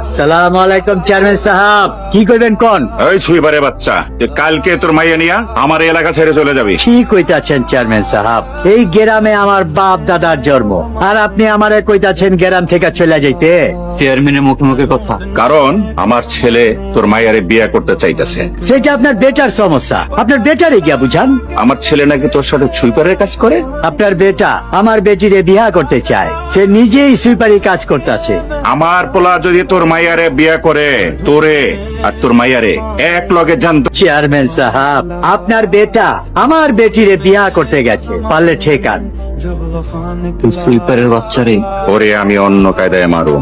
সালাম আলাইকুম চেয়ারম্যান সাহেব, কি করবেন কোন? এই ছুইবারে বাচ্চা, যে কালকে তোর মাইয়া নিয়া আমার এই এলাকা ছেড়ে চলে যাবি। কি কইতাছেন চেয়ারম্যান সাহেব? এই গ্রামে আমার বাপ দাদার জন্ম, আর আপনি আমারে কইতাছেন গ্রাম থেকে চলে যাইতে? চেয়ারম্যানের মুখে মুখে কথা। কারণ আমার ছেলে তোর মাইয়ারে বিয়ে করতে চাইতেছে। সেটা আপনার বেটার সমস্যা, আপনার বেটারে গিয়া বুঝান। আমার ছেলে নাকি তোর সাথে ছুইপারের কাজ করে। আপনার বেটা আমার বেটিরে বিয়া করতে চায়, সে নিজেই সুইপারি কাজ করতেছে। আমার পোলা যদি তোর মাইয়ারে বিয়ে করে, তোরে আর তোর মাইয়ারে এক লগে জানত। চেয়ারম্যান সাহেব, আপনার বেটা আমার বেটিরে বিয়া করতে গেছে, পারলে ঠেকান। তুই সুইপারের বাচ্চারে। ওরে আমি অন্য কায়দায় মারুম।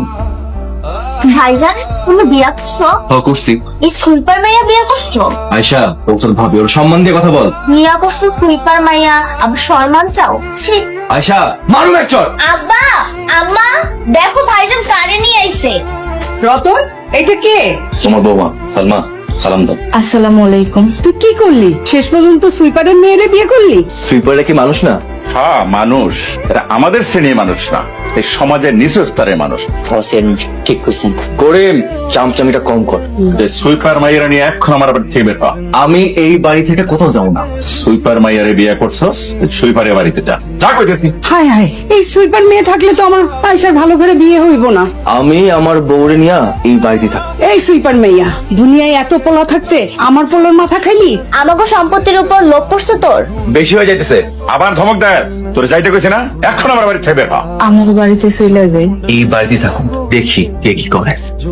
ভাইজান, তুমি বিয়া করছো? করছি। স্কুইপার মাইয়া বিয়া করছো? আয়শা, ওর ভাবি, ওর সম্মান দিয়ে কথা বল। বিয়া করছো সুইপার মাইয়া, আবার সম্মান চাও? ছি। আয়শা, মারুম এক চড়। আব্বা, আম্মা, দেখো ভাইজান কারে নিয়ে আইছে। রতন, এটা কে? তোমার বৌমা সালমা, সালাম দাও। আসসালামু আলাইকুম। তুই কি করলি? শেষ পর্যন্ত সুইপারের মেয়েরে বিয়ে করলি? সুইপাররা কি মানুষ না? হ্যাঁ মানুষ, এরা আমাদের শ্রেণীর মানুষ না, এই সমাজের নিচু স্তরের মানুষ। ঠিক কইছেন। করিম, চামচামিটা কম কর। যে সুইপার মাইয়ারা নিয়ে এখন আমার বাড়ি থেকে বের হ। আমি এই বাড়ি থেকে কোথাও যাবো না। সুইপার মাইয়ারে বিয়ে করছস, সুইপারের বাড়িতে যা। যা কইতেছি। হায় হায়, এই সুইপার মেয়ে থাকলে তো আমার পয়সার ভালো করে বিয়ে হইব না। আমি আমার বউরে নিয়ে এই বাড়িতে থাকি। এই সুইপার মেয়া, দুনিয়ায় এত পোলা থাকতে আমার পোলার মাথা খাইলি? আমাকে সম্পত্তির উপর লোভ পড়ছে তোর? বেশি হয়ে যাইতেছে। আবার ধমক দেস? তোর যাইতে কইছি না, এখন আমার বাড়ি থেকে বের হ। আমাকে বাড়িতে চলে যাই। এই বাড়িতে থাকুন, দেখি কে কি করে।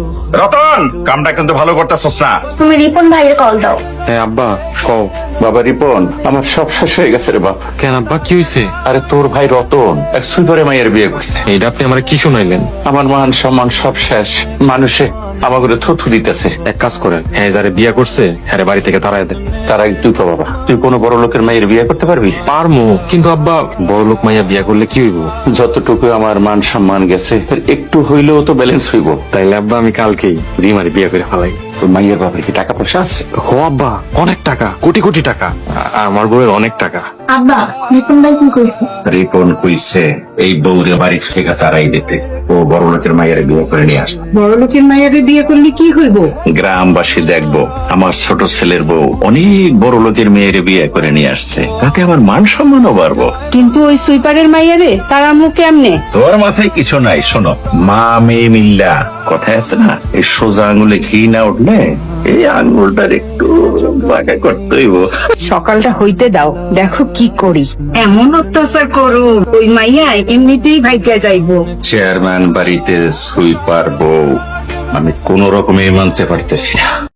রতন, কামটা কিন্তু ভালো করতেছস না। তুমি রিপন ভাইয়ের কল দাও। হ্যাঁ আব্বা, কও। বাবা রিপন, আমার সব শেষ হয়ে গেছে রে বাপ। কেন আব্বা, কি হয়েছে? আরে তোর ভাই রতন এক সুইপারে মাইয়ের বিয়ে করছে। এইটা আপনি আমার কি শুনাইলেন? আমার মান সম্মান সব শেষ, মানুষে আমাকে থুথু দিতেছে। এক কাজ করেন, হ্যাঁ যারে বিয়া করছে হ্যাঁ বাড়ি থেকে তাড়াই দেন। তার আগে তুই কো বাবা, তুই কোনো বড় লোকের মাইয়ের বিয়ে করতে পারবি? পারমু, কিন্তু আব্বা বড় লোক মাইয়া বিয়া করলে কি হইব? যতটুকু আমার মান সম্মান গেছে তার একটু হইলেও তো ব্যালেন্স হইব। তাইলে আব্বা আমি কালকেই রিমারে বিয়া করে ফেলাই। তোর মাইয়ের বাবার কি টাকা পয়সা আছে? হো আব্বা, অনেক টাকা, কোটি কোটি টাকা। আমার বউয়ের অনেক টাকা। আব্বা, রিপন ভাই কি কইছে? রিপন কইছে এই বউরে বাড়ি থেকে তারাই দিতে, ও বড় লোকের মাইয়ের বিয়ে করে নিয়ে আসবে। বড় লোকের মেয়েরে বিয়ে করলে কি হইব? গ্রামবাসী দেখবো আমার ছোট ছেলের বউ অনেক বড় লোকের মেয়ের বিয়ে করে নিয়ে আসছে, তাতে আমার মান সম্মানও বাড়বো। কিন্তু ওই সুইপারের মাইয়ারে তারা মুখে এমনে। তোর মাথায় কিছু নাই, শোনো, মা মেয়ে মিল্লা কথায় আছে না, এই সোজা আঙুলে ঘি না উঠলে এই আঙুলটার একটু বাঁকা করতে হইব। সকালটা হইতে দাও, দেখো কি করি। এমন অত্যাচার করো, ওই মাইয়া এমনিতেই ভাইগা যাইবো। চেয়ারম্যান বাড়িতে সুইপার বউ, আমি কোন রকমে মানতে পারতেছি না।